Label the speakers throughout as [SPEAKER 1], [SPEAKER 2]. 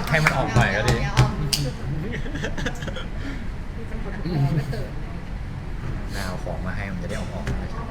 [SPEAKER 1] ให้มันออกหน่อยก็ดีน่าเอาของมาให้มันจะได้ออกนะครับ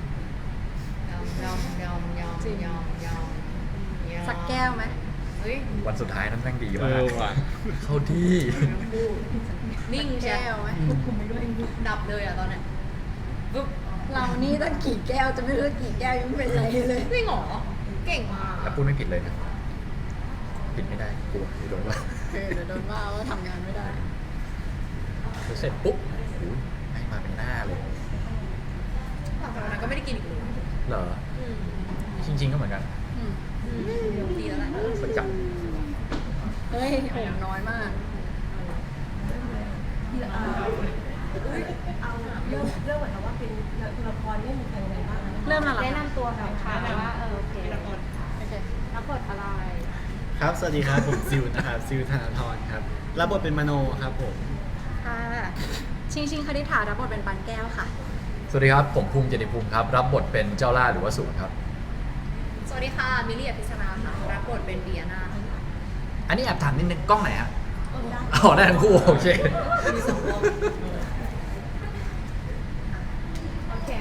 [SPEAKER 2] สักแก้วไหม
[SPEAKER 1] วันสุดท้ายนั้นแม่งดีมาก
[SPEAKER 3] ว่ะ
[SPEAKER 1] เข้าที่
[SPEAKER 4] นิ่งใช่
[SPEAKER 2] แก้วไหม
[SPEAKER 4] ดับเลยอ่ะตอนเนี้ยปุ๊บ
[SPEAKER 2] เรานี่ตั้งกี่แก้วจะไม่รู้กี่แก้วยังไม่เป็นไรเลย
[SPEAKER 4] จริงเหรอเก่งมาก
[SPEAKER 1] แต่พูดไม่ผิดเลยนะผิดไม่ได้กลัวโดนว่า
[SPEAKER 2] เดี๋ยวโดนว่าว่าทำงานไม่ได้
[SPEAKER 1] เสร็จปุ๊บโอ้ยให้มาเป็นหน้าเลย
[SPEAKER 4] หลังจากนั้นก็ไม่ได้กินอีกเลย
[SPEAKER 1] เหรอจริงๆก็เหมือนกัน
[SPEAKER 4] ดีแล้วแหละ
[SPEAKER 1] ประจ
[SPEAKER 2] เฮ้ยโหน้อยมาก
[SPEAKER 5] เริ่มเหมือนกับว่าเป็นตัวละครเล่นเป็นยังไงบ้างนะ
[SPEAKER 2] เริ่มแล้วเหรอ
[SPEAKER 5] แนะ
[SPEAKER 2] คะ
[SPEAKER 5] นำตัวหน่อยค่ะว่าโอเครับบทอะไร
[SPEAKER 3] ครับสวัสดีครับผมซิวนะครับซิวธนาธรครับรับบทเป็นมโนครับผม
[SPEAKER 2] ค่ะชิงคณิษฐารับบทเป็นปันแก้วค่ะ
[SPEAKER 1] ำสวัสดีครับผมภูมิเจติภูมิครับรับบทเป็นเจ้าล่าหรือว่าศูนย์ครับ
[SPEAKER 4] สวัสดีค่ะมิลลี่อภิษณาค่ะรับบทเป็นเดียนา
[SPEAKER 1] อันนี้แอบถามนิดนึงกล้องไหนฮะอ๋อได้ทั้งคู่โอเค
[SPEAKER 4] มีสองรอบ
[SPEAKER 5] โอเค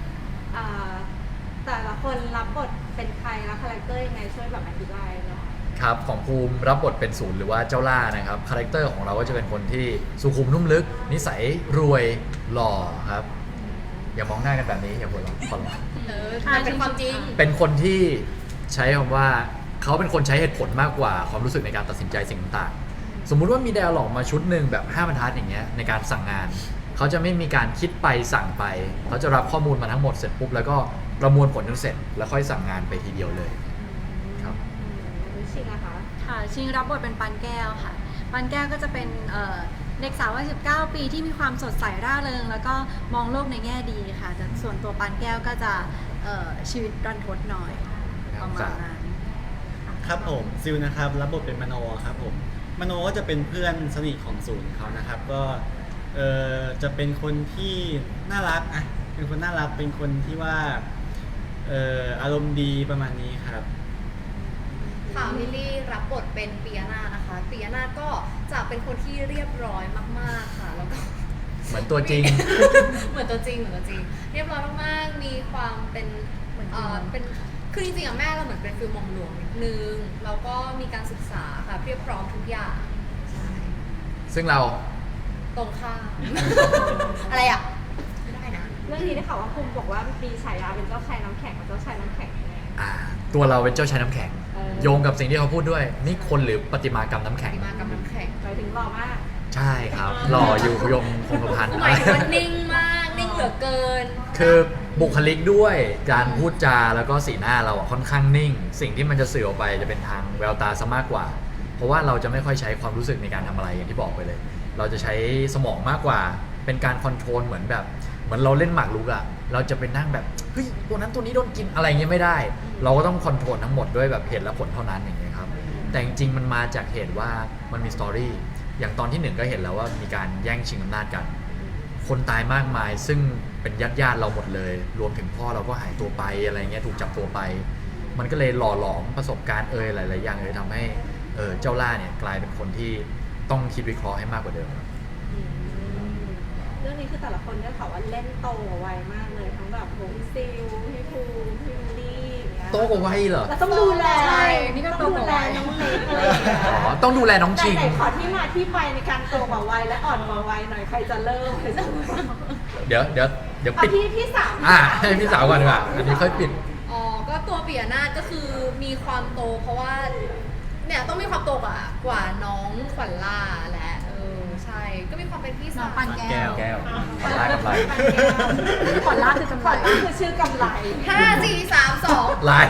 [SPEAKER 5] แต่ละคนรับบทเป็นใครแล้วคาแรคเตอร์ยังไงช่วยแบบอธิบายหน่อย
[SPEAKER 1] ครับของภูมิรับบทเป็นศูนย์หรือว่าเจ้าล่านะครับคาแรคเตอร์ของเราก็จะเป็นคนที่สุขุมนุ่มลึก นิสัยรวยหล่อครับ อย่ามองหน้ากันแบบนี้อย่าหัวเราะขอร้อง
[SPEAKER 4] มันเป็นความจริง
[SPEAKER 1] เป็นคนที่ใช้คำว่าเขาเป็นคนใช้เหตุผลมากกว่าความรู้สึกในการตัดสินใจสิ่งต่างๆสมมุติว่ามีไดอะล็อกมาชุดหนึ่งแบบ5บรรทัดอย่างเงี้ยในการสั่งงานเขาจะไม่มีการคิดไปสั่งไปเขาจะรับข้อมูลมาทั้งหมดเสร็จปุ๊บแล้วก็ประมวลผลจนเสร็จแล้วค่อยสั่งงานไปทีเดียวเลยครับ
[SPEAKER 5] รู้ชิงนะคะ
[SPEAKER 2] ค่ะชิงรับบทเป็นปันแก้วค่ะปันแก้วก็จะเป็นเด็กสาววัย19 ปีที่มีความสดใสร่าเริงแล้วก็มองโลกในแง่ดีค่ะแต่ส่วนตัวปันแก้วก็จะชีวิตรันทดหน่อยประมาณนั้น
[SPEAKER 3] ครับผมซิวนะครับรับบทเป็นมโนครับผมมโนก็จะเป็นเพื่อนสนิทของศูนย์เขานะครับก็จะเป็นคนที่น่ารักอ่ะเป็นคนน่ารักเป็นคนที่ว่าอารมณ์ดีประมาณนี้ครับ
[SPEAKER 4] ค่ะมิลลี่รับบทเป็นปียนานะคะปียนาก็จะเป็นคนที่เรียบร้อยมากๆค่ะแล้วก็
[SPEAKER 1] เหมือนตัวจริง
[SPEAKER 4] เหมือนตัวจริงเรียบร้อยมากๆมีความเป็นเป็นคือจริงๆอะแม่เราเหมือนเป็นฟิลมอมหลวงนิดนึงแล้วก็มีการศึกษาค่ะเพียบพร้อมทุกอย่างใช่
[SPEAKER 1] ซึ่งเรา
[SPEAKER 4] ตรงข้าม อะไรอ่ะไม่ได้นะ
[SPEAKER 5] เรื่องนี้ได้ข่าวว่าภูมิบอกว่ามีฉายาเป็นเจ้าชายน้ำแข็งกับเจ้าชายน้ำแข็งแน่
[SPEAKER 1] ตัวเราเป็นเจ้าชายน้ำแข็ง
[SPEAKER 5] เออ
[SPEAKER 1] โยงกับสิ่งที่เขาพูดด้วยนี่คนหรือประติมากรรมน้ำแข็ง
[SPEAKER 4] มากับน้ำแข็ง
[SPEAKER 5] หมายถึงหล่อมาก
[SPEAKER 1] ใช่ครับหล่ออยู่ยงคงกระพัน
[SPEAKER 4] หมายถึงว่านิ่งมากนิ่งเหลือเกิน
[SPEAKER 1] คือบุคลิกด้วยการพูดจาแล้วก็สีหน้าเราอะค่อนข้างนิ่ง สิ่งที่มันจะสื่อออกไปจะเป็นทางแววตาซะมากกว่า เพราะว่าเราจะไม่ค่อยใช้ความรู้สึกในการทำอะไรอย่างที่บอกไปเลย เราจะใช้สมองมากกว่าเป็นการคอนโทรลเหมือนแบบเหมือนเราเล่นหมากรุกอะเราจะไปนั่งแบบเฮ้ยตัวนั้นตัวนี้โดนกินอะไรเงี้ยไม่ได้ เราก็ต้องคอนโทรลทั้งหมดด้วยแบบเหตุและผลเท่านั้นอย่างเงี้ยครับแต่จริงๆมันมาจากเหตุว่ามันมีสตอรี่อย่างตอนที่หนึ่งก็เห็นแล้วว่ามีการแย่งชิงอำนาจกัน คนตายมากมายซึ่งเป็นญาติเราหมดเลย รวมถึงพ่อเราก็หายตัวไปอะไรเงี้ยถูกจับตัวไป มันก็เลยหล่อหลอมประสบการณ์หลายๆอย่างเลยทำให้เจ้าล่าเนี่ยกลายเป็นคนที่ต้องคิดวิเคราะห์ให้มากกว่าเดิมครับ
[SPEAKER 5] เรื่องนี้คือแต่ละคนได้ข่าวว่าเล่นโตไวมากเลยทั้งแบบโฮมซิลพี่ภูมิพี่มิลลี่อย่างเงี้ย
[SPEAKER 1] โตกว่าวัยเหรอ
[SPEAKER 5] แล้วต้องดูแล
[SPEAKER 2] ใช่นี่ก็โตกว่าวัย
[SPEAKER 5] ต้องดูแลน้องเล็กอะไรอย่างเงี้ย
[SPEAKER 1] อ๋อต้องดูแลน้องชิง
[SPEAKER 5] ไหนขอที่มาที่ไปในการโตกว่าวัยและอ่อนกว่าวัยหน่อยใครจะเริ่มใครจะเริ่ม
[SPEAKER 1] เดี๋ยว
[SPEAKER 5] เอา
[SPEAKER 1] ปิด
[SPEAKER 5] พี่สาว
[SPEAKER 1] ให้พี่สาวก่อนดีกว่าอันนี้ค่อยปิด
[SPEAKER 4] อ๋อ ก็ตัวปิยนาถก็คือมีความโตเพราะว่าเนี่ยต้องมีความโตกว่าน้องขวัญล่าแหละใช่ก็มีความเป็นพี่
[SPEAKER 2] น้
[SPEAKER 4] สา
[SPEAKER 2] อง
[SPEAKER 4] ว
[SPEAKER 2] ปันแก้ว
[SPEAKER 1] แก้วลากำไร
[SPEAKER 2] ขอลาคือกำ
[SPEAKER 5] ข
[SPEAKER 2] ไร
[SPEAKER 5] วัญล่าคือชื่อกำไร
[SPEAKER 4] 5 4 3 2
[SPEAKER 1] ไลฟ์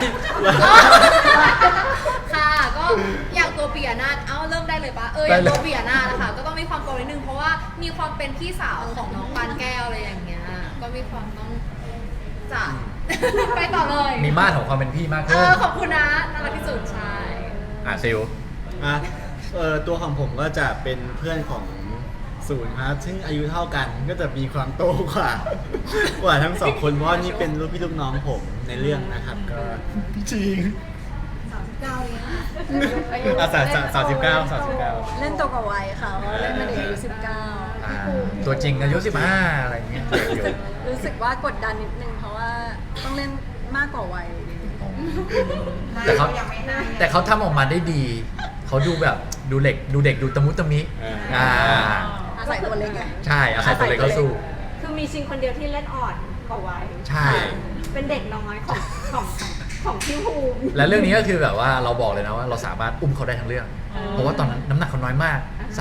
[SPEAKER 4] ค่ะก็อย่างตัวปิยนาถเริ่มได้เลยปะอ
[SPEAKER 1] ได้
[SPEAKER 4] ย่าง
[SPEAKER 1] เลย
[SPEAKER 4] ตัวปิยนาถนะคะก็ต้องมีความโตนิดนึงเพราะว่ามีความเป็นพี่สาวของน้องปานแก้วอะไรอย่างเงี้ยก็มีความต้องจัด ไปต่อเลย
[SPEAKER 1] มีมาตรของความเป็นพี่มากขึ้น
[SPEAKER 4] ขอบคุณนะน่ารักที่สุดใช่
[SPEAKER 1] ซิล
[SPEAKER 3] ตัวของผมก็จะเป็นเพื่อนของศูนย์ครับซึ่งอายุเท่ากันก็จะมีความโตกว่า กว่าทั้งสองคนเพราะว่านี่เป็นลูกพี่ลูกน้องผมในเรื่องนะครับก็จริง
[SPEAKER 4] 39เลยนะ
[SPEAKER 3] อ่ะ39
[SPEAKER 2] เล่นตัวกับวัยค่ะเพราะเล่นเป็นเด็กอายุ19
[SPEAKER 1] อ่าตัวจริงอายุ15อะไรอย่างเงี้ยเด็กอยู่
[SPEAKER 2] รู้สึกว่ากดดันนิดนึงเพราะว่าต้องเล่นมากกว่าวัย
[SPEAKER 1] แต่เขาทำออกมาได้ดี เขาดูแบบดูเด็กดูตะมุตะมิ อ่า
[SPEAKER 2] อาศัยตัวเล็กไง
[SPEAKER 1] ใช่อาศัยตัวเล็กเข้าสู้
[SPEAKER 5] คือมีชิงคนเดียวที่เล่นอ่อนกว่าวัย
[SPEAKER 1] ใช่
[SPEAKER 5] เป็นเด็กน้อยของพี่ภูมิ
[SPEAKER 1] และเรื่องนี้ก็คือแบบว่าเราบอกเลยนะว่าเราสามารถอุ้มเขาได้ทั้งเรื่อง เพราะว่าตอนนั้นน้ำหนักเขาน้อยมาก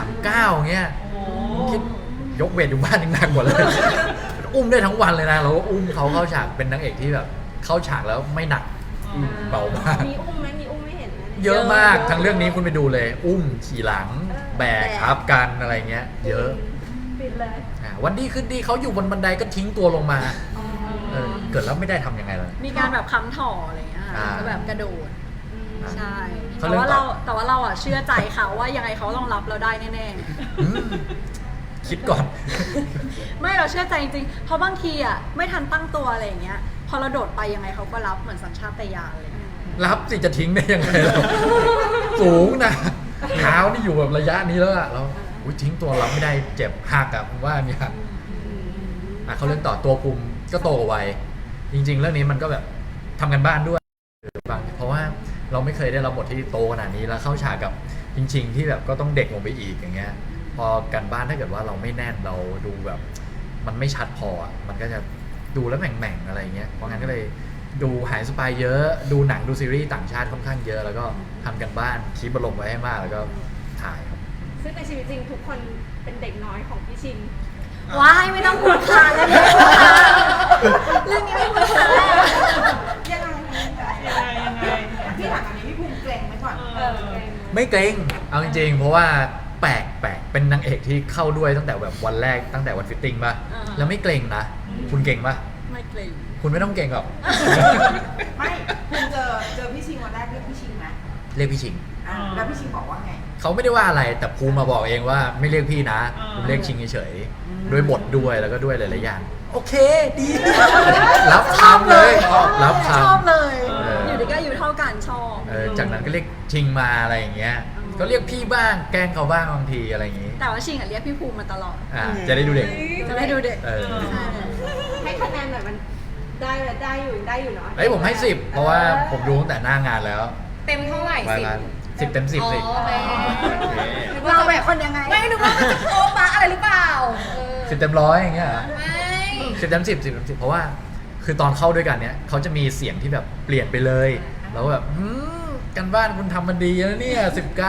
[SPEAKER 1] 39เงี้ยคิดยกเวทอยู่บ้านยังหนักกว่าเลย อุ้มได้ทั้งวันเลยนะเราก็อุ้มเขาเข้าฉากเป็นนางเอกที่แบบเข้าฉากแล้วไม่หนักเบามาก
[SPEAKER 5] มีอุ้มไหมมีอุ้มไม่เห็นนะ
[SPEAKER 1] เยอะมากทั้งเรื่องนี้คุณไปดูเลย อุ้มขี่หลังแบกทับกันอะไรเงี้ย เยอะ
[SPEAKER 5] ปิดเลย
[SPEAKER 1] วันดีขึ้นดีเขาอยู่บนบันไดก็ทิ้งตัวลงมาเกิดแล้วไม่ได้ทำยังไงล่ะ
[SPEAKER 2] มีการแบบค้ำถ่ออะไรอย่างเงี้ยค่ะ
[SPEAKER 1] อ่า
[SPEAKER 2] ก็แบบกระโดด ใช่
[SPEAKER 1] เขา
[SPEAKER 2] แต่
[SPEAKER 1] เริ่ม
[SPEAKER 2] ว่า
[SPEAKER 1] ต่
[SPEAKER 2] เรา
[SPEAKER 1] อ
[SPEAKER 2] แต่ว่าเราอ่ะเชื่อใจเขาว่ายังไงเขาต้องรับเราได้แน่
[SPEAKER 1] อืมคิดก่อน
[SPEAKER 2] ๆ ไม่เราเชื่อใจจริงๆ เพราะบางทีอ่ะไม่ทันตั้งตัวอะไรอย่างเงี้ย พอเราโดดไปยังไงเขาก็รับเหมือนสัญชาตญาณอะไรอย่างเลย
[SPEAKER 1] รับสิจะทิ้งได้ยังไงเราสูงนะเท้านี่อยู่แบบระยะนี้แล้วอะเราอุ๊ยทิ้งตัวรับไม่ได้เจ็บหักอะผมว่าเนี่ยเขาเรื่องต่อตัวภูมิก็โตกว่าวัยจริง ๆ เรื่องนี้มันก็แบบทำกันบ้านด้วยบางเพราะว่าเราไม่เคยได้รับบทที่โตขนาดนี้แล้วเข้าฉากกับจริง ๆ ที่แบบก็ต้องเด็กลงไปอีกอย่างเงี้ย พอกันบ้านถ้าเกิดว่าเราไม่แน่นเราดูแบบ มันไม่ชัดพออะมันก็จะดูแล้วแหม่งๆอะไรเงี้ยเพราะงั้นก็เลยดูหายสปายเยอะดูหนังดูซีรีส์ต่างชาติค่อนข้างเยอะแล้วก็ทำกันบ้านคีบอารมณ์ไว้ให้มากแล้วก็ถ่ายครับ
[SPEAKER 5] ซึ่งในชีวิตจริงทุกคนเป็นเด็กน้อยของพี่ชิง
[SPEAKER 2] ว้ายไม่ต้องพูดค่ะเรื่องนี้ไม่พูดค่ะเรื่องนี้ไม่พูดค่ะ
[SPEAKER 6] ยังไงพี่ถามอันนี้พี่ภูมิเกรงไหมก่อน
[SPEAKER 1] ไม่เกรงเอาจริงๆ เพราะว่าแปลกเป็นนางเอกที่เข้าด้วยตั้งแต่แบบวันแรกตั้งแต่วันฟิตติ้งป่ะแล้วไม่เกรงนะคุณเก่งป่ะ
[SPEAKER 2] ไม่เกรง
[SPEAKER 1] คุณไม่ต้องเก่งหรอก
[SPEAKER 6] ไม่คุณเจอพี่ชิงวันแรกเรียกพี่ชิงไหม
[SPEAKER 1] เรียกพี่ชิง
[SPEAKER 6] แล้วพี่ชิงบอกว่าไง
[SPEAKER 1] เขาไม่ได้ว่าอะไรแต่ภูมิมาบอกเองว่าไม่เรียกพี่นะผมเรียกชิงเฉยๆด้วยบทด้วยแล้วก็ด้วยหลายๆอย่างโอเคดี รับทำเลยรับท
[SPEAKER 2] ชอบเลย
[SPEAKER 1] เออ
[SPEAKER 2] อ
[SPEAKER 1] อ
[SPEAKER 2] ยู่ดีก็อายู่เท่ากันชอบ
[SPEAKER 1] ำจากนั้นก็เรียกชิงมาอะไรอย่างเงี้ยก็เรียกพี่บ้างแกล้งเขาบ้างบางทีอะไรอย่างงี้
[SPEAKER 2] แต่ว่าชิงอ่ะเรียกพี่ภูมิมาตลอด
[SPEAKER 1] จะได้ดูเด็ก
[SPEAKER 2] จะได้ดูเด็ก ใช่
[SPEAKER 5] ให้คะแนนหน่อยมันได้อยู่เนาะ
[SPEAKER 1] เฮ้ยผมให้10เพราะว่าผมดูตั้งแต่หน้า งานแล้ว
[SPEAKER 4] เต็มเท่าไหร่
[SPEAKER 1] มา
[SPEAKER 4] สิ
[SPEAKER 1] ร้าน10 เต็ม 10 สิ
[SPEAKER 4] อ๋อโอเค
[SPEAKER 2] เราแบบคนยังไง
[SPEAKER 4] ไม่นึกว่ามันจะโป๊ะปะอะไรหรือเปล่า
[SPEAKER 1] 10 เต็ม 100อย่างเงี้ยเหรอ
[SPEAKER 4] ไม่
[SPEAKER 1] 10 เต็ม 10 10 เต็ม 10เพราะว่าคือตอนเข้าด้วยกันเนี้ยเขาจะมีเสียงที่แบบเปลี่ยนไปเลยแล้วแบบกันบ้านคุณทำมันดีแล้วเนี่ย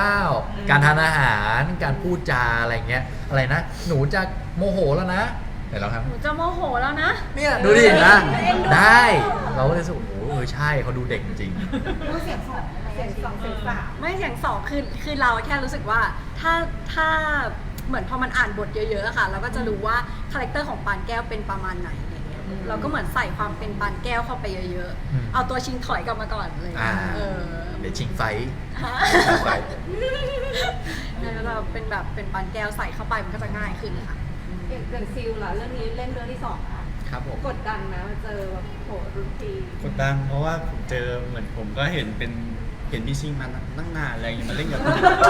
[SPEAKER 1] 19การทานอาหารการพูดจาอะไรเงี้ยอะไรนะหนูจะโมโหแล้วนะเห็นแล้วครับ
[SPEAKER 2] หนูจะโมโหแล้วนะ
[SPEAKER 1] เนี่ยดูดินะได้เราก็เลยรู้สึกโอ้โหใช่เขาดูเด็กจริง
[SPEAKER 6] เสียงสอง
[SPEAKER 5] เสียงสองเสียงสาม
[SPEAKER 2] ไม่เสียงสองคือเราแค่รู้สึกว่าถ้าเหมือนพอมันอ่านบทเยอะๆอะค่ะ เราก็จะรู้ว่าคาแรคเตอร์ของปานแก้วเป็นประมาณไหนอะไรเงี้ยเราก็เหมือนใส่ความเป็นปานแก้วเข้าไปเยอะๆ เอาตัวชิงถอยกลับมาก่อนเลย
[SPEAKER 1] เดี๋ยวชิงไฟท์
[SPEAKER 2] ฮะ
[SPEAKER 1] ชิงไฟท์
[SPEAKER 2] แล้วเราเป็นแบบเป็นปานแก้วใส่เข้าไปมันก็จะง่ายขึ้นค่ะ
[SPEAKER 5] อย่างซิลล่ะเรื่องนี้เล่นเรื่องที่สองค่ะ
[SPEAKER 3] ครับผม
[SPEAKER 5] กดดันนะมาเจอแบบโหรุ่นพี่
[SPEAKER 3] กดดันเพราะว่าผมเจอเหมือนผมก็เห็นพี่ชิงมาตั้งนานอะไรอย่างเงี้ยมาเล่นกับผม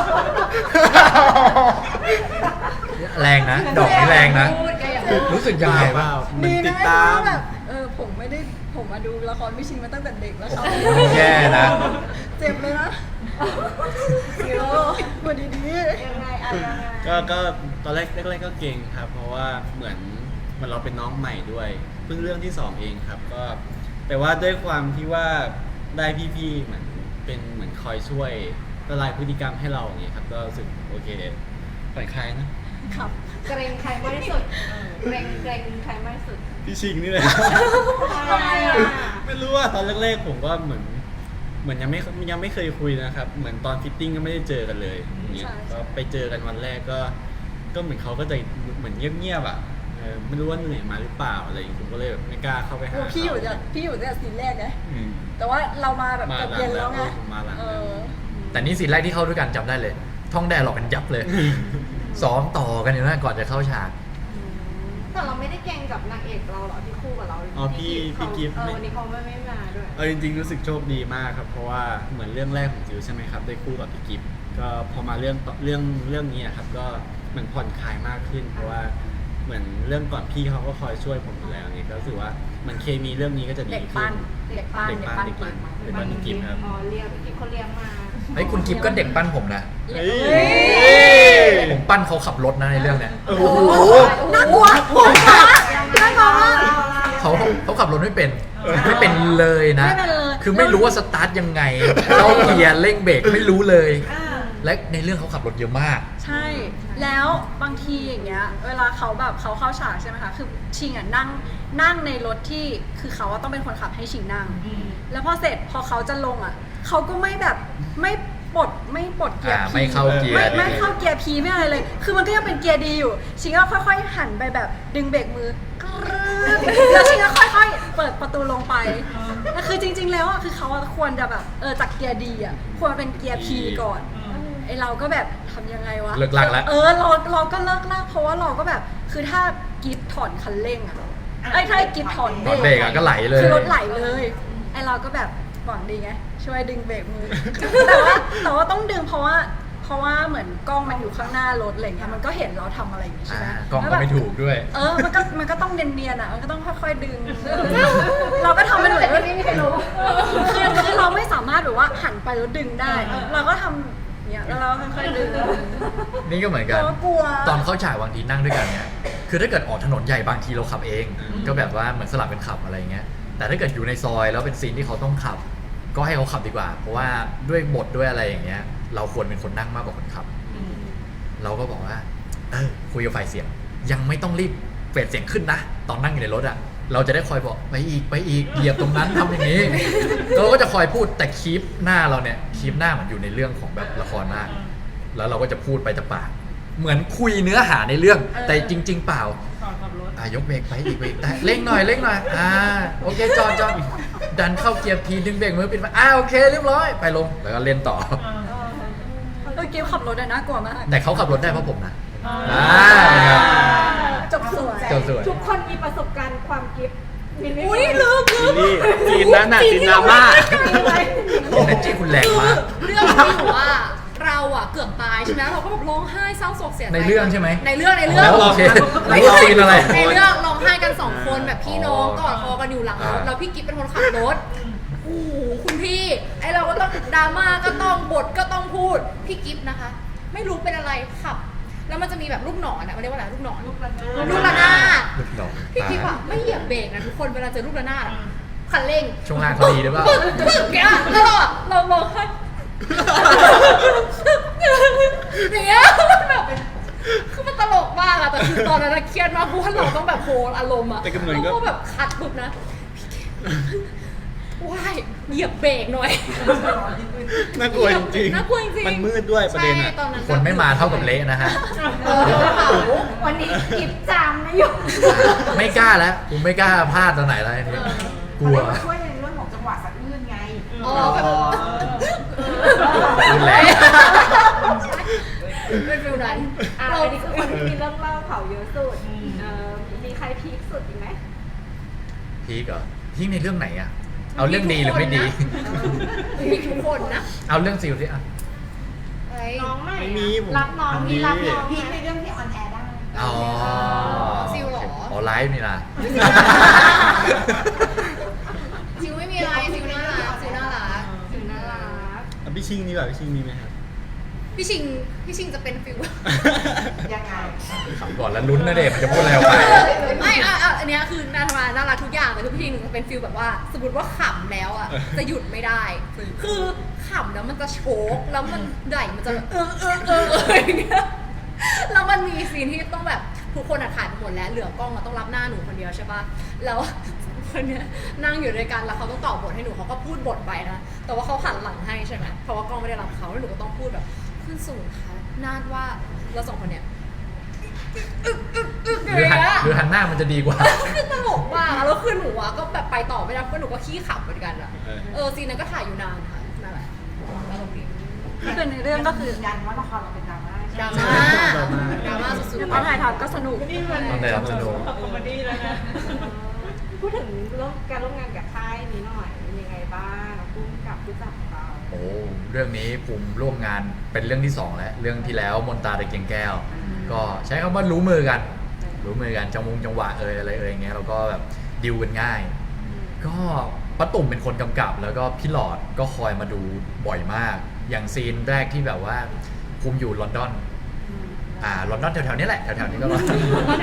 [SPEAKER 1] แรงนะ ดอกนี้แรงนะ
[SPEAKER 4] พูดแกอย่าพูด
[SPEAKER 1] รู้สึกยังไงบ้าง
[SPEAKER 3] เหมือนติดตาม
[SPEAKER 2] แบบผมมาดูละครพี่ชิงมาตั้งแต่เด็กแล้วครับ
[SPEAKER 1] โอ้โหแย่นะ
[SPEAKER 2] เจ็บเลยนะซิโร่มาดี
[SPEAKER 5] ยังไงอะไรยังไง
[SPEAKER 3] ก็ตอนแรกก็เก่งครับ เพราะว่าเหมือนเราเป็นน้องใหม่ด้วยเพิ่งเรื่องที่สองเองครับ ก็แต่ว่าด้วยความที่ว่าได้พี่ๆเหมือนคอยช่วยละลายพฤติกรรมให้เราอย่างเงี้ยครับก็รู้สึกโอเคผ่อนคลายนะ
[SPEAKER 2] ๆครับ
[SPEAKER 5] เกรงใครมากที่สุดเกรงใครมากที่สุด
[SPEAKER 3] พี่ชิงนี่เลย
[SPEAKER 5] ทำไมอ่ะ
[SPEAKER 3] ไม่รู้ว่าตอนแรกๆผมก็เหมือนยังไม่เคยคุยนะครับ เหมือนตอนฟิตติ้งก็ไม่ได้เจอกันเลยอย่างเงี้ย
[SPEAKER 2] ใช่
[SPEAKER 3] ก็ไปเจอกันวันแรกก็เหมือนเขาก็จะเหมือนเงียบๆอ่ะไม่รู้ว่าเหนื่อยมาหรือเปล่าอะไรอย่างเงี้ยผมก็เลยแบบไม่กล้าเข้าไปหา
[SPEAKER 2] โอ้พี่อยู่
[SPEAKER 3] เขา
[SPEAKER 2] แต่ซีนแรกไง
[SPEAKER 3] อืม
[SPEAKER 2] แต่ว่าเรามาแบบ
[SPEAKER 3] มา
[SPEAKER 2] เกือบ
[SPEAKER 3] หลัง
[SPEAKER 2] เย็นแล้วไง
[SPEAKER 3] แล้วมาหลัง
[SPEAKER 2] เออ
[SPEAKER 1] แต่นี่ซีนแรกที่เข้าด้วยกันจำได้เลย ท่องแดร์หลอกกันยับเลย ซ้อมต่อกันอยู่นะก่อนจะเข้าฉาก
[SPEAKER 5] แต่เราไม่ได้เกรงกับนางเอกเราเหรอที่คู่กับเรา
[SPEAKER 3] อ๋อพี่กิฟต์
[SPEAKER 5] วันนี้เขาไม่มาด้วย
[SPEAKER 3] เอาจริงๆรู้สึกโชคดีมากครับเพราะว่าเหมือนเรื่องแรกของจิวใช่ไหมครับได้คู่กับพี่กิฟต์ก็พอมาเรื่องนี้อะครับก็เหมือนผ่อนคลายมากขึ้น เพราะว่าเหมือนเรื่องก่อนพี่เขาก็คอยช่วยผมอยู่แล้วนี่ก็รู้สึกว่าเหมันเคมีเรื่องนี้ก็จะดี
[SPEAKER 2] เด็ก
[SPEAKER 3] ขึ้
[SPEAKER 2] ปั้
[SPEAKER 3] น
[SPEAKER 2] นเด็กปั้น
[SPEAKER 3] เด็กปั้น
[SPEAKER 2] เด็กปั้น
[SPEAKER 3] เด็กปั้นพี่กิฟต์ครับ
[SPEAKER 5] อ๋อเลี้ยงพี่กิ๊ฟเขาเลี้ยงมา
[SPEAKER 1] ไอ้ยคุณกิฟก็เด็กปั้นผมนะ
[SPEAKER 3] เฮ้ย
[SPEAKER 1] ผมปั้นเขาขับรถนะในเรื่องเนี้ย
[SPEAKER 3] โอ้โห
[SPEAKER 2] น่ากลัวน่ากลัวมาก
[SPEAKER 1] เขาขับรถไม่เป็นเลยนะ
[SPEAKER 2] ไม่เป็นเลย
[SPEAKER 1] คือไม่รู้ว่าสตาร์ทยังไงเข้าเกียร์เร่งเบรกไม่รู้เลย และในเรื่องเขาขับรถเยอะมาก
[SPEAKER 2] ใช่ แล้วบางทีอย่างเงี้ย เวลาเขาแบบเขาเข้าฉากใช่ไหมคะ คือชิงอ่ะนั่งในรถที่คือเขาต้องเป็นคนขับให้ชิงนั่ง แล้วพอเสร็จพอเขาจะลงอ่ะเขาก็ไม่แบบไม่ปลดเกียร์
[SPEAKER 1] อ่า
[SPEAKER 2] P
[SPEAKER 1] ไม่เข้าเกียร์
[SPEAKER 2] ไม่
[SPEAKER 1] ดี
[SPEAKER 2] เข้าเกียร์ P ไม่อะไรเลย คือมันก็ยังเป็นเกียร์ดีอยู่ ชิงก็ค่อยๆหันไปแบบดึงเบรกมือกรึ๊ดแล้วชิงก็ค่อยๆเปิดประตูลงไปแล้วคือจริง ๆ แล้วอ่ะคือเขาอะควรจะแบบจากเกียร์ดีอ่ะควรเป็นเกียร์ P ก่อนไอเราก็แบบทำยังไงวะ
[SPEAKER 1] เลิกลากแล้ว
[SPEAKER 2] เราก็เลิกลากเพราะว่าเราก็แบบคือถ้ากิฟถอนคันเร่งอ่ะถ้ากิฟถอน
[SPEAKER 1] ถอนเบรกอะก็ไหลเลย
[SPEAKER 2] คือรถไหลเลยไอเราก็แบบหวังดีไงช่วยดึงเบรกมือ แต่ว่าต้องดึงเพราะว่าเหมือนกล้องมันอยู่ข้างหน้ารถอะไรเงี้ยมันก็เห็นเราทำอะไรอย่างงี้ใช่ไหม
[SPEAKER 1] กล้องก็ไม่ถูกด้วย
[SPEAKER 2] มันก็ต้องเนียนๆอ่ะมันก็ต้องค่อยๆดึง เราก็ทำเป็นเหมือนว่าคือเราไม่สามารถแบบว่าหันไปแล้วดึงได้ เราก็ทำเนี่ยแล้วเราค่อยๆดึง
[SPEAKER 1] นี่ก็เหมือนกัน
[SPEAKER 2] เรากลัว
[SPEAKER 1] ตอนเข้าฉากบางทีนั่งด้วยกันเนี่ย คือถ้าเกิดออกถนนใหญ่บางทีเราขับเอง ก็แบบว่าเหมือนสลับเป็นขับอะไรเงี้ย แต่ถ้าเกิดอยู่ในซอยแล้วเป็นซีนที่เขาต้องขับ ก็ให้เขาขับดีกว่า เพราะว่าด้วยบทด้วยอะไรอย่างเงี้ย เราควรเป็นคนนั่งมากกว่าคนขับ เราก็บอกว่าคุยกับฝ่ายเสียง ยังไม่ต้องรีบเฟดเสียงขึ้นนะ ตอนนั่งอยู่ในรถอ่ะ เราจะได้คอยบอกไปอีกเหยียบตรงนั้นทำอย่างนี้ เราก็จะคอยพูดแต่คีปหน้าเราเนี่ยคีปหน้าเหมือนอยู่ในเรื่องของแบบละครมาก แล้วเราก็จะพูดไปแต่ปาก เหมือนคุยเนื้อหาในเรื่อง แต่จริง ๆ เปล่า ยกเบรกไปอีกแต่เร่งหน่อยโอเคจอดดันเข้าเกียร์พีดึงเบรกมือปิดมาโอเคเรียบร้อยไปลงแล้วก็เล่นต่อ
[SPEAKER 2] เกมขับรถน่ากลัวมาก
[SPEAKER 1] แต่เขาขับรถได้เพราะผมนะ
[SPEAKER 2] จบสวย
[SPEAKER 1] เจ้าสวย
[SPEAKER 5] ทุกคนมีประสบการณ์ความกิฟต์มีไหม
[SPEAKER 2] อุ้ยลืม
[SPEAKER 3] ซีรีส์จีนนั้นน่ะจีนดราม่า
[SPEAKER 1] เอเนจีคุณแรงมาก
[SPEAKER 4] เรื่องนี้ถือว่าเราอะเกือบตายใช่ไหมเราก็แบบร้องไห้เศร้าโศกเสียใจ
[SPEAKER 1] ในเรื่องใช่ไหม
[SPEAKER 4] ในเรื่อง
[SPEAKER 1] โอเครู้ว่าซีนอะไร
[SPEAKER 4] ในเรื่องร้องไห้กันสองคนแบบพี่น้องกอดคอกันอยู่หลังรถแล้วพี่กิ๊ฟเป็นคนขับรถโอ้โหคุณพี่ไอเราก็ต้องดราม่าก็ต้องบทก็ต้องพูดพี่กิ๊ฟนะคะ ไม่รู้เป็นอะไรขับ แล้วมันจะมีแบบลูกหนอนอะมันเรียกว่าอะไรลูกหนอนลูกระนาด
[SPEAKER 1] ลูกดอก
[SPEAKER 4] พี่กิ๊ฟอะไม่เหยียบเบรกนะทุกคนเวลาเจอลูกระนาดอะคันเร่ง
[SPEAKER 1] ช่วงล่างเขาดีหรือเปล่า
[SPEAKER 4] ปึ๊กแกอะแล้วเราร้องไห้อย่างเงี้ยแบบคือมันตลกมากอะแต่คือตอนนั้นเครียดมากเพราะว่าเราต้องแบบโฮลอารมณ์อะ
[SPEAKER 3] แต่กำเนิดก็
[SPEAKER 4] เราก็แบบคัดปุ๊บนะว้ายเหยียบเบรกหน่อย
[SPEAKER 3] น่ากลัวจริงๆ
[SPEAKER 4] น่ากลัวจริงๆ
[SPEAKER 3] มันมืดด้วยประเด็น
[SPEAKER 4] ใช่
[SPEAKER 3] อ่ะ
[SPEAKER 4] ตอนนั้น
[SPEAKER 1] คนไม่มาเท่ากับเละนะฮะ
[SPEAKER 5] วันนี้กิฟต์จามนะอยู่
[SPEAKER 1] ไม่กล้าแล้วผมไม่กล้าพลาดตอนไหนแล้วอันนี้กลัว
[SPEAKER 6] เขาได้มาช่วยในเรื่องของจังหวะสะอื้นไง
[SPEAKER 4] อ๋อแบบ
[SPEAKER 1] รุนแรง
[SPEAKER 4] เป็นฟิลนั้น
[SPEAKER 5] อันนี้คือคนที่มีเรื่องเล่าเขาเยอะสุดมีใครพีคสุดอีกไหม
[SPEAKER 1] พีกเหรอพีกในเรื่องไหนอะเอาเรื่องดีหรือไม่ดี
[SPEAKER 4] มีทุกคนนะ
[SPEAKER 1] เอาเรื่องซิลสิอะ
[SPEAKER 4] ไอ้
[SPEAKER 5] น้องใหม่
[SPEAKER 3] ไม่มีผม
[SPEAKER 5] รับน้องมีรับน้อง
[SPEAKER 6] พีคในเรื่องที่ออนแอร์ได้
[SPEAKER 1] อ๋อ
[SPEAKER 4] ซิลเหรอ
[SPEAKER 1] อ๋อไลฟ์นี่นะ
[SPEAKER 4] ซิลไม่มีอะไรซิลน่ารักซิลน่ารัก
[SPEAKER 5] ถึงน่ารัก
[SPEAKER 3] อ่ะพี่ชิงดีกว่าพี่ชิงมีไหมครับ
[SPEAKER 4] พี่ชิงจะเป็นฟิล
[SPEAKER 6] ยังไง
[SPEAKER 1] ขำก่อนแล้วลุ้นนะเด็กมันจะพูดอะไรออกไป
[SPEAKER 4] ไม่อันเนี้ยคือน่ารักทุกอย่างแต่คือพี่ชิงจะเป็นฟิลแบบว่า สมมติว่าขำแล้วอ่ะจะหยุดไม่ได้ คือขำแล้วมันจะโชกแล้วมันไหลมันจะอย่างเงี้ยแล้วมันมีซีนที่ต้องแบบทุกคนถ่ายไปหมดแล้วเหลือกล้องต้องรับหน้าหนูคนเดียวใช่ป่ะแล้วคนเนี้ยนั่งอยู่ด้วยกันแล้วเขาต้องตอบบทให้หนูเขาก็พูดบทไปนะแต่ว่าเขาหันหลังให้ใช่ไหมเพราะว่ากล้องไม่ได้รับเขาแล้วหนูก็ต้องพูดแบบขึ้นสูงค่ะนาดว่าเราสองคนเนี้ย
[SPEAKER 1] หรือหันหน้ามันจะดีกว่า
[SPEAKER 4] คือตลกมากแล้วคือหนูอะก็แบบไปต่อไม่ได้เพราะหนูก็ขี้ขำเหมือนกันอะซีนนั้นก็ถ่ายอยู่นานค่ะนั่นแหละตลกดี
[SPEAKER 2] คือในเรื่องก็คือ
[SPEAKER 6] ยืนยันว่าละครเราเป็นดราม่า
[SPEAKER 4] ดราม่าสุดๆ
[SPEAKER 2] ตอนถ่ายทำก็สนุก
[SPEAKER 6] นี่มัน
[SPEAKER 1] ต้องได้รับสนุก
[SPEAKER 6] คอมเมดี้แล้วนะ
[SPEAKER 5] พูดถึงการร่วมงานกับค่ายนี้หน่อยเป็นยังไงบ้างพุ่มกับผู้จัดของเรา
[SPEAKER 1] โอ้เรื่องนี้ภูมิร่วมงานเป็นเรื่องที่สองแล้วเรื่องที่แล้วมนตราตะเกียงแก้ว ก็ใช้คำว่ารู้มือกันจังหวะอะไรอย่างเงี้ยเราก็แบบดิวกันง่าย ก็ป้าตุ่มเป็นคนกำกับแล้วก็พี่หลอดก็คอยมาดูบ่อยมาก อย่างซีนแรกที่แบบว่าภูมิอยู่ลอนดอนลอนดอนแถวๆนี้แหละแถวๆนี้ก็ลอนดอน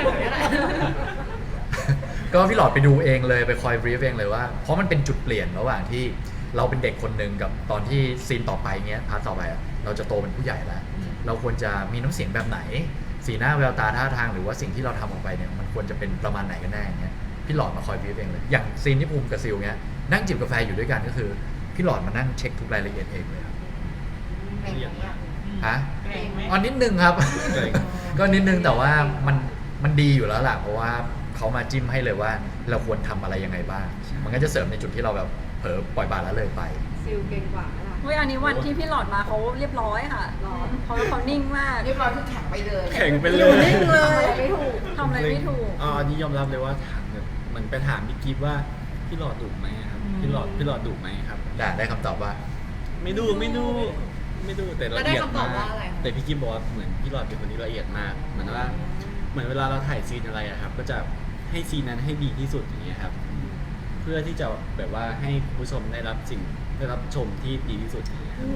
[SPEAKER 1] ก็พี่หลอดไปดูเองเลยไปคอยบรีฟเองเลยว่าเพราะมันเป็นจุดเปลี่ยนระหว่างที่เราเป็นเด็กคนหนึ่งกับตอนที่ซีนต่อไปเงี้ยพาร์ทต่อไปเราจะโตเป็นผู้ใหญ่แล้วเราควรจะมีน้ำเสียงแบบไหนสีหน้าแววตาท่าทางหรือว่าสิ่งที่เราทำออกไปเนี่ยมันควรจะเป็นประมาณไหนกันแน่เงี้ยพี่หลอดมาคอยบรีฟเองเลยอย่างซีนที่ภูมิกับซิลเงี้ยนั่งจิบกาแฟอยู่ด้วยกันก็คือพี่หลอดมานั่งเช็คทุกรายละเอียดเองเลยครับ
[SPEAKER 6] เก่งไหมอ่ะ
[SPEAKER 1] ฮะ
[SPEAKER 6] เก่งไหม
[SPEAKER 1] อ๋อนิดนึงครับ
[SPEAKER 3] เก่ง
[SPEAKER 1] ก็นิดนึงแต่ว่ามันดีอยู่แล้วล่ะเพราะว่าเขามาจิ้มให้เลยว่าเราควรทำอะไรยังไงบ้าง มันก็จะเสริมในจุดที่เราแบบเผลอปล่อยบาละเลยไป
[SPEAKER 5] ซิลเก่งกว่าไหมล่ะ
[SPEAKER 2] เฮ้ยอันนี้วันที่พี่หลอดมาเขาเรียบร้อยค่ะ
[SPEAKER 5] หรอ
[SPEAKER 2] เขานิ่งมาก
[SPEAKER 6] เรียบร้อยคือแข็งไปเลย
[SPEAKER 3] แข่งไปเล
[SPEAKER 2] อยู่
[SPEAKER 3] ย
[SPEAKER 2] นิ่งเลย
[SPEAKER 5] ไม่ถูก
[SPEAKER 2] ทำอะไรไม่ถูก
[SPEAKER 3] อันนี้ยอมรับเลยว่าถามแบบเหมือนไปถามพี่กิฟว่าพี่หลอดดุไหมครับพี่หลอดดุไหมครับ
[SPEAKER 1] ได้คำตอบว่า
[SPEAKER 3] ไม่ดูแต่ละ
[SPEAKER 4] แล้วได้
[SPEAKER 3] เอียด
[SPEAKER 4] คำตอบ
[SPEAKER 3] มา
[SPEAKER 4] ว่าก อะไร
[SPEAKER 3] แต่พี่กิฟบอกว่าเหมือนพี่หลอดเป็นคนที่ละเอียดมากเหมือนเวลาเราถ่ายซีนอะไรอะครับ ก็จะให้ซีนนั้นให้ดีที่สุดอย่างเงี้ยครับ เพื่อที่จะแบบว่าให้ผู้ชมได้รับชมที่ดีที่สุดอย่างเงี้ยครับ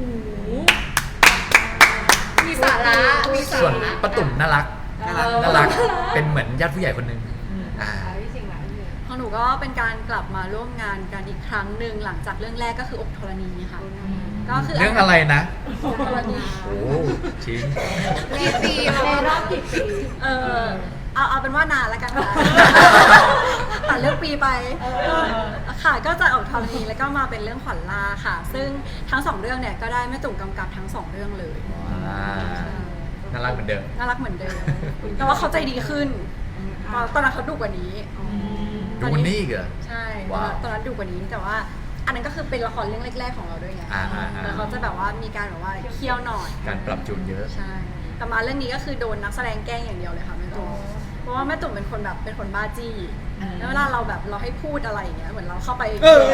[SPEAKER 4] มีสาระมีสา
[SPEAKER 1] ส่วน
[SPEAKER 4] ระ
[SPEAKER 1] ป้าตุ่มน่ารักเป็นเหมือนญาติผู้ใหญ่คนหนึ่งอ่า
[SPEAKER 5] พี่จริงเหรอพี่
[SPEAKER 2] ของหนูก็เป็นการกลับมาร่วมงานกันอีกครั้งหนึ่งหลังจากเรื่องแรกก็คืออกธรณีค่ะ ก็คือ
[SPEAKER 1] เรื่องอะไรนะ
[SPEAKER 2] อกธรณี
[SPEAKER 1] โอ้ชิ้น
[SPEAKER 4] ในปีเรา
[SPEAKER 5] ในรอบกี่ปี
[SPEAKER 2] เอาเป็นว่านานแล้วกันค่ะ ตัดเรื่องปีไปก็ค่ะก็จะออกธรณีแล้วก็มาเป็นเรื่องขวัญล่าค่ะ ซึ่งทั้งสองเรื่องเนี่ยก็ได้แม่ตุ่มกำกับทั้งสองเรื่องเลย
[SPEAKER 1] น่ารักเหมือนเดิม
[SPEAKER 2] น่ารักเหมือนเดิม แต่ว่าเขาใจดีขึ้นตอนนั้นเขาดุกว่านี้
[SPEAKER 1] ดูมันนี่อีกเหรอ
[SPEAKER 2] ใช่
[SPEAKER 1] ว้าว
[SPEAKER 2] ตอนนั้นดุกว่านี้แต่ว่า อันนั้นก็คือเป็นละครเรื่องแรกๆของเราด้วยไง
[SPEAKER 1] อ่า
[SPEAKER 2] แล้วเขาจะแบบว่ามีการแบบว่าเคี่ยวหน่อย
[SPEAKER 1] การปรับจูนเยอะ
[SPEAKER 2] ใช่แต่มาเรื่องนี้ก็คือโดนนักแสดงแกล้งอย่างเดียวเลยค่ะแม่ตุ่มเพราะว่าแม่ตุ่มเป็นคนแบบเป็นคนบ้าจี้แล้วเวลาเราแบบเราให้พูดอะไรอย่างเงี้ยเหมือนเราเข้าไป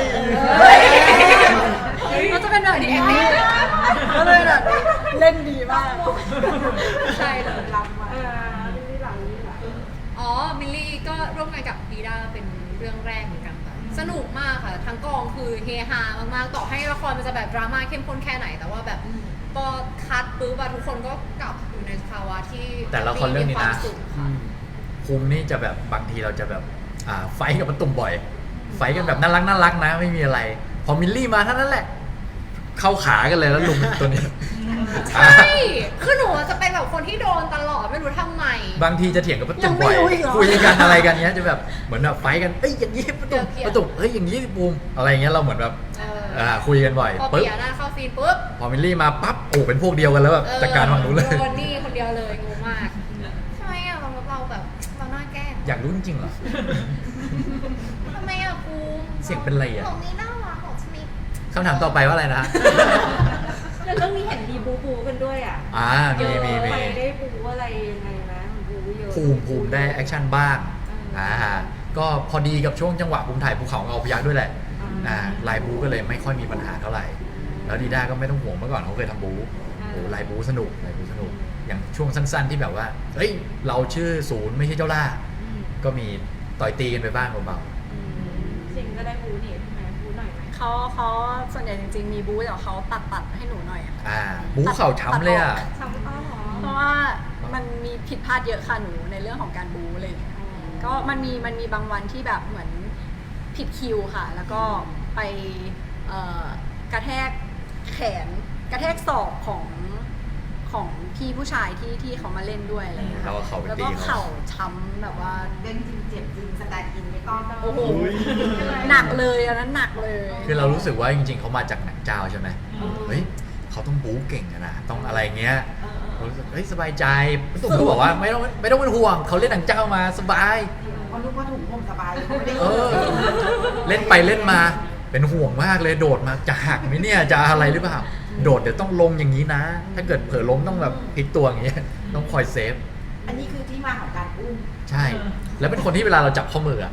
[SPEAKER 2] ก็จะเป็นแบบนี้ก็เลยแบบเล่นดีมาก
[SPEAKER 4] ใช่เลย
[SPEAKER 6] รับมา
[SPEAKER 5] นี่หลังนี่หลัง
[SPEAKER 4] อ๋อ มิลลี่ก็ร่วมงานกับดีด้าเป็นเรื่องแรกเหมือนกันค่ะ สนุกมากค่ะ ทั้งกองคือเฮฮามากๆ ต่อให้ละครมันจะแบบดราม่าเข้มข้นแค่ไหน แต่ว่าแบบพอคัดปุ๊บอะทุกคนก็กลับอยู่ในภาวะที่
[SPEAKER 1] แต่ละครเรื่องนี้นะ
[SPEAKER 4] มีความสุขค่ะ
[SPEAKER 1] ภูมินี่จะแบบบางทีเราจะแบบไฟท์กับป้าตุ่มบ่อย ไฟท์กันแบบน่ารักนะไม่มีอะไร พอมิลลี่มาเท่านั้นแหละ เข้าขากันเลยแล้วลุงตัวนี้
[SPEAKER 4] ใช่ คือหนูจะเป็นแบบคนที่โดนตลอดไม่รู้ทำไม
[SPEAKER 1] บางทีจะเถียงกับป้าตุ่มบ่อย
[SPEAKER 2] ยังไม่รู้อีกเหรอ
[SPEAKER 1] คุยกันอะไรกันเนี้ยจะแบบเหมือนแบบไฟท์กันเอ้ยอย่างนี้ป้าตุ่ม
[SPEAKER 4] เกลียด
[SPEAKER 1] ป้าตุ่มเอ้ยอย่างนี้สิภูมิอะไรเงี้ยเราเหมือนแบบ คุยกันบ่อย
[SPEAKER 4] พอ
[SPEAKER 1] ปึ๊บ
[SPEAKER 4] เปียหน้าเข้าซีนปุ๊บ
[SPEAKER 1] พอมิลลี่มาปั๊บโอ้เป็นพวกเดียวกันแล้วแบบจัดการฝั่งนู้นเลย
[SPEAKER 4] โดนนี่คนเดียวเลยงงมากทำไมอะเราแบบเราหน้าแกล้ง
[SPEAKER 1] อยากรู้จริงๆเหรอ
[SPEAKER 4] ทำไมอะครู
[SPEAKER 1] เสียงเป็นไรอะ
[SPEAKER 4] ของนี้น่ารักของชนิด
[SPEAKER 1] คำถามต่อไปว่าอะไรนะ
[SPEAKER 5] แล้วเรื่องนี้เห็นมีบูกันด้วยอ่ะ
[SPEAKER 1] มี
[SPEAKER 5] ไปได้บูอะไรยังไงนะบูเยอะ
[SPEAKER 1] ภูมิได้แอคชั่นบ้างก็พอดีกับช่วงจังหวะภูมิถ่ายภูเขาเงาพยักด้วยแหละลายบูก็เลยไม่ค่อยมีปัญหาเท่าไหร่ แล้วดีด้าก็ไม่ต้องห่วงเมื่อก่อนเขาเคยทำบูโอ้ลายบูสนุกอย่างช่วงสั้นๆที่แบบว่าเฮ้ยเราชื่อศูนย์ไม่ใช่เจ้าล่าก็มีต่อยตีกันไปบ้างเบา
[SPEAKER 5] จริงก็ได้บูนี่ใช่ไหมบูหน่อยไหม
[SPEAKER 2] เขาส่วนใหญ่จริงๆมีบู๊แต่เขาตัดให้หนูหน่อยอะค่ะ
[SPEAKER 1] ๆบูเข่าช้ำเลยอ่ะ
[SPEAKER 5] ทำอ้อหรอ
[SPEAKER 2] เพราะว่ามันมีผิดพลาดเยอะค่ะหนูในเรื่องของการบู๊อะไรอย่างเงี้ยก็มันมีบางวันที่แบบเหมือนผิดคิวค่ะ แล้วก็ไปกระแทกแขนกระแทกศอกของพี่ผู้ชายที่เขามาเล่นด้วยอะไรอย่างเงี้ย
[SPEAKER 1] แล้วก็เข่าไป
[SPEAKER 2] แล้ว
[SPEAKER 1] ตี
[SPEAKER 2] ก็
[SPEAKER 1] เขา
[SPEAKER 2] เข่าช้ำแบบว่า
[SPEAKER 6] เล่นจริงเจ็บจริงสแตนด์อินไม่ต้อง
[SPEAKER 2] โอ้โหหนักเลยอันนั้นหนักเลย
[SPEAKER 1] คือเรารู้สึกว่าจริงๆเขามาจากหนังเจ้าใช่ไหมเฮ้ยเขาต้องบู๊เก่งอะนะต้องอะไรเงี้ยเรารู้สึกเฮ้ยสบายใจพี่ตุ้มก็บอกว่าไม่ต้องเป็นห่วงเขาเล่นหนังเจ้ามาสบาย
[SPEAKER 6] เพราะรู้ว่าถุงผมสบายเขาไม่ได้
[SPEAKER 1] เล่นไปเล่นมาเป็นห่วงมากเลยโดดมาจะหักไหมเนี่ยจะอะไรหรือเปล่าโดดเดี๋ยวต้องลงอย่างนี้นะ ถ้าเกิดเผลอล้มต้องแบบพลิกตัวอย่างเงี้ยต้องคอยเซฟ
[SPEAKER 6] อันนี้คือที่มาของการอุ้ม
[SPEAKER 1] ใช่ แล้วเป็นคนที่เวลาเราจับข้อมืออะ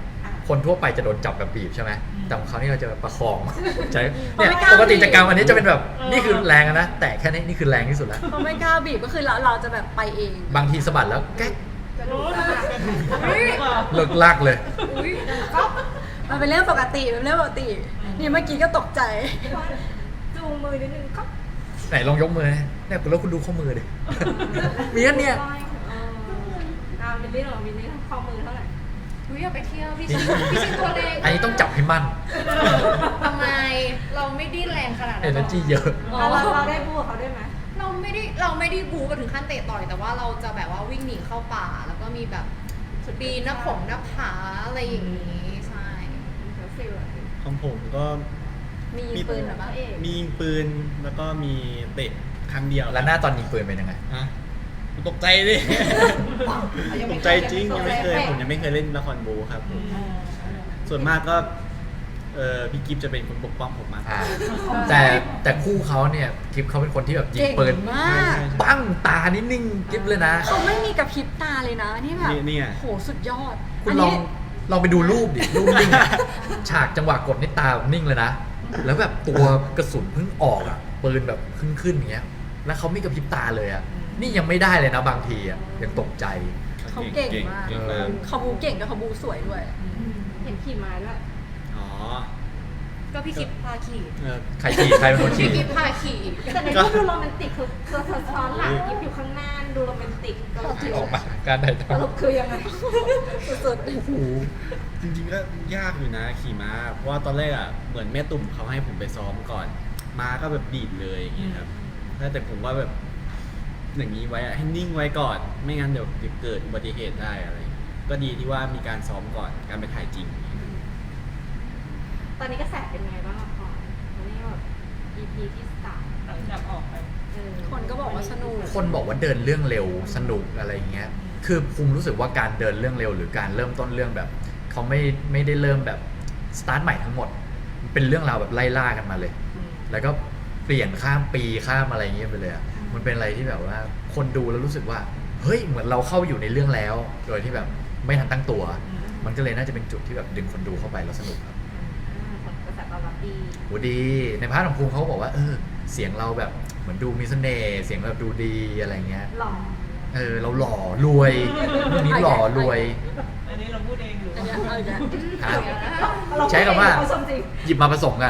[SPEAKER 1] คนทั่วไปจะโดนจับแบบบีบใช่ไหมแต่ของเขานี่เราจะแบบประคองใช่
[SPEAKER 2] เขา
[SPEAKER 1] เนี่ย
[SPEAKER 2] ไม่กล้า
[SPEAKER 1] ปกติจะกำอันนี้
[SPEAKER 2] บีบ
[SPEAKER 1] จะเป็นแบบนี่คือแรงอะนะแต่แค่นี้นี่คือแรงที่สุดแล้ว
[SPEAKER 2] เขาไม่กล้าบีบก็คือเราจะแบบไปเอง
[SPEAKER 1] บางทีสะบัดแล้วแก๊ก
[SPEAKER 6] จะดูจะหักกันหรือเปล่า
[SPEAKER 1] เลิกลากเลย
[SPEAKER 4] อุ้ย
[SPEAKER 2] มันเป็นเรื่องปกติเป็นเรื่องปกติ นี่เมื่อกี้ก็ตกใจ
[SPEAKER 5] จูงมือนิดนึงก็
[SPEAKER 1] ไหนลองยกมือนะเนี่ยแล้วคุณดูข้อมือดิ มีอันเนี่ย
[SPEAKER 5] วินนี่เหรอวินนี่ข้อมือเท่าไหร่
[SPEAKER 4] อุ้ยอยากไปเที่ยวพี่ชินตัวเล็ก
[SPEAKER 1] อันนี้ต้องจับให้มั่น
[SPEAKER 4] ทำไมเราไม่ได้แรงขนาดนั้นหร
[SPEAKER 1] energy เยอะ
[SPEAKER 5] เราได้พูดเขาได้ไหม
[SPEAKER 4] เราไม่ได้บูกันถึงขั้นเตะต่อยแต่ว่าเราจะแบบว่าวิ่งหนีเข้าป่า แล้วก็มีแบบปีนหน้าผงหน้าผาอะไรอย่างนี้ใช่
[SPEAKER 5] แล้วฟิลอะไร
[SPEAKER 3] ของผมก็
[SPEAKER 2] มียิงปืนเหรอบ้าง
[SPEAKER 3] มียิงปืนแล้วก็มีเตะครั้งเดียว
[SPEAKER 1] แล้วหน้าตอนยิงปืนเป็นยังไง
[SPEAKER 3] ฮะตกใจดิตกใจจริงยังไม่เคยผมยังไม่เคยเล่นละครบูครับผมส่วนมากก็พี่กิฟจะเป็นคนปกป้องผมมากกว่า
[SPEAKER 1] แต่คู่เขาเนี่ยกิฟเขาเป็นคนที่แบบยิง
[SPEAKER 2] เก่ง
[SPEAKER 1] ปืน
[SPEAKER 2] มาก
[SPEAKER 1] ปั้งตานิ่งๆกิฟเลยนะ
[SPEAKER 2] เขาไม่มีกระพริบตาเลยนะนี่แบบ
[SPEAKER 3] เนี่ย
[SPEAKER 2] โหสุดยอด
[SPEAKER 1] คุณลองไปดูรูปดิรูปนิ่งอะฉากจังหวะกดนี่ตาแบบนิ่งเลยนะ แล้วแบบตัวกระสุนเพิ่งออกอ่ะปืนแบบขึ้นอย่างเงี้ย แล้วเขาไม่กระพริบตาเลยอ่ะนี่ยังไม่ได้เลยนะบางทีอ่ะยังตกใจ
[SPEAKER 2] เขาเก่งมาก
[SPEAKER 3] เก่งมาก
[SPEAKER 2] เขาบูเก่งด้วยเขาบูสวยด้วย
[SPEAKER 5] เห็นขี่ม้าด้วย
[SPEAKER 3] อ๋อ
[SPEAKER 4] ก็พี่คิดพาขี่
[SPEAKER 1] ใครขี่ใครเป็นคนขี่
[SPEAKER 4] พี่คิดพาขี่
[SPEAKER 5] แต่ในรูปดูโรแมนติกคือซ้อนหลังยิบอยู่ข้างหน้าดูโรแมนติกสรุป
[SPEAKER 1] ออกมาการถ่ายท
[SPEAKER 5] สรุปคือยังไง
[SPEAKER 2] สุด
[SPEAKER 3] โอ้โหจริงๆก็ยากอยู่นะขี่ม้า เพราะว่าตอนแรกอ่ะเหมือนแม่ตุ่มเขาให้ผมไปซ้อมก่อน ม้าก็แบบดีดเลยอย่างเงี้ยครับแต่ผมว่าแบบอย่างนี้ไว้อะให้นิ่งไว้ก่อน ไม่งั้นเดี๋ยวเกิดอุบัติเหตุได้อะไรอย่างเงี้ยก็ดีที่ว่ามีการซ้อมก่อนการไปถ่ายจริง
[SPEAKER 5] ตอนนี้กระแสเป็นไงบ้างละครตอนนี้แบบ EP ที่3
[SPEAKER 6] หลังจากออกไป
[SPEAKER 2] ๆคนก็บอกว่าสนุก
[SPEAKER 1] ำคนบอกว่าเดินเรื่องเร็วสนุกอะไรอย่างเงี้ยคือภูมิรู้สึกว่าการเดินเรื่องเร็วหรือการเริ่มต้นเรื่องแบบเขาไม่ได้เริ่มแบบสตาร์ทใหม่ทั้งหมดมันเป็นเรื่องราวแบบไล่ล่ากันมาเลย แล้วก็เปลี่ยนข้ามปีข้ามอะไรอย่างเงี้ยไปเลยอะมันเป็นอะไรที่แบบว่าคนดูแล้วรู้สึกว่าเฮ้ยเหมือนเราเข้าอยู่ในเรื่องแล้ว โดยที่แบบไม่ทันตั้งตัว มันก็เลยน่าจะเป็นจุดที่แบบดึงคนดูเข้าไปแล้วสนุกครับ
[SPEAKER 5] กระแสตอบรับดี
[SPEAKER 1] โหดีในพาร์ทของภูมิเขาก็บอกว่าเสียงเราแบบเหมือนดูมีเสน่ห์เสียงแบบดูดีอะไรเงี้ย
[SPEAKER 5] หล่อ
[SPEAKER 1] เราหล่อรวยเรื่องนี้หล่อรวย
[SPEAKER 6] อันนี้เราพูดเองหรือ
[SPEAKER 2] อันเนี้ยเอาอีกแล้ว
[SPEAKER 1] ครับ
[SPEAKER 5] เรา
[SPEAKER 1] ใช้คำว่า
[SPEAKER 5] เขาชมจริง
[SPEAKER 1] หยิบมาผสมกัน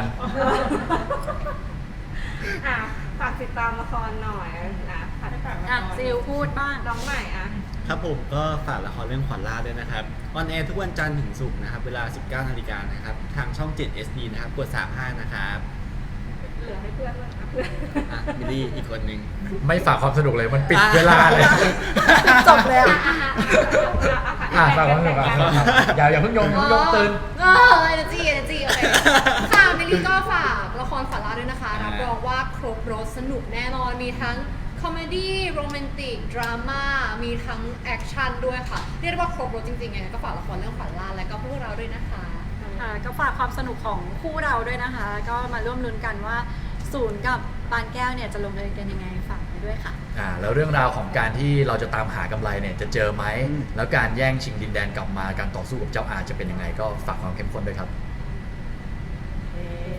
[SPEAKER 5] อ่ะฝากติดตามละครหน่อยนะฝาก
[SPEAKER 2] อ่ะซิลพูดบ้าง
[SPEAKER 5] น้องใหม่อ่ะ
[SPEAKER 3] ครับผมก็ฝากละครเรื่องขวัญล่าด้วยนะครับออนแอร์ทุกวันจันทร์ถึงศุกร์นะครับเวลา 19 นาฬิกานะครับทางช่อง 7 SD นะครับกด 35 นะครับ
[SPEAKER 5] เหลือให้เพื่อนด้วยนะเพื่อน
[SPEAKER 3] มิลลี่อีกคนนึง
[SPEAKER 1] ไม่ฝากความสนุกเลยมันปิดเวลาเลย
[SPEAKER 2] จบแล้ว
[SPEAKER 1] ฝากความสนุกอย่าเพิ่งยงตื่น
[SPEAKER 4] energy โอเคค่ะมิลลี่ก็ฝากละครฝันร้ายด้วยนะคะรับรองว่าครบรสสนุกแน่นอนมีทั้งคอมเมดี้โรแมนติกดราม่ามีทั้งแอคชั่นด้วยค่ะเรียกได้ว่าครบรสจริงๆไงก็ฝากละครเรื่องฝันร้ายและก็พวกเราด้วยนะคะ
[SPEAKER 2] ก็ฝากความสนุกของคู่เราด้วยนะคะ ก็มาร่วมลุ้นกันว่าศูนย์กับปานแก้วเนี่ยจะลงเอยกันยังไงฝากไปด้วยค่ะ
[SPEAKER 1] แล้วเรื่องราวของการที่เราจะตามหากำไรเนี่ยจะเจอไหม แล้วการแย่งชิงดินแดนกลับมาการต่อสู้กับเจ้าอาจะเป็นยังไงก็ฝากความเข้มข้นด้วยครับ
[SPEAKER 6] เอ๊ะ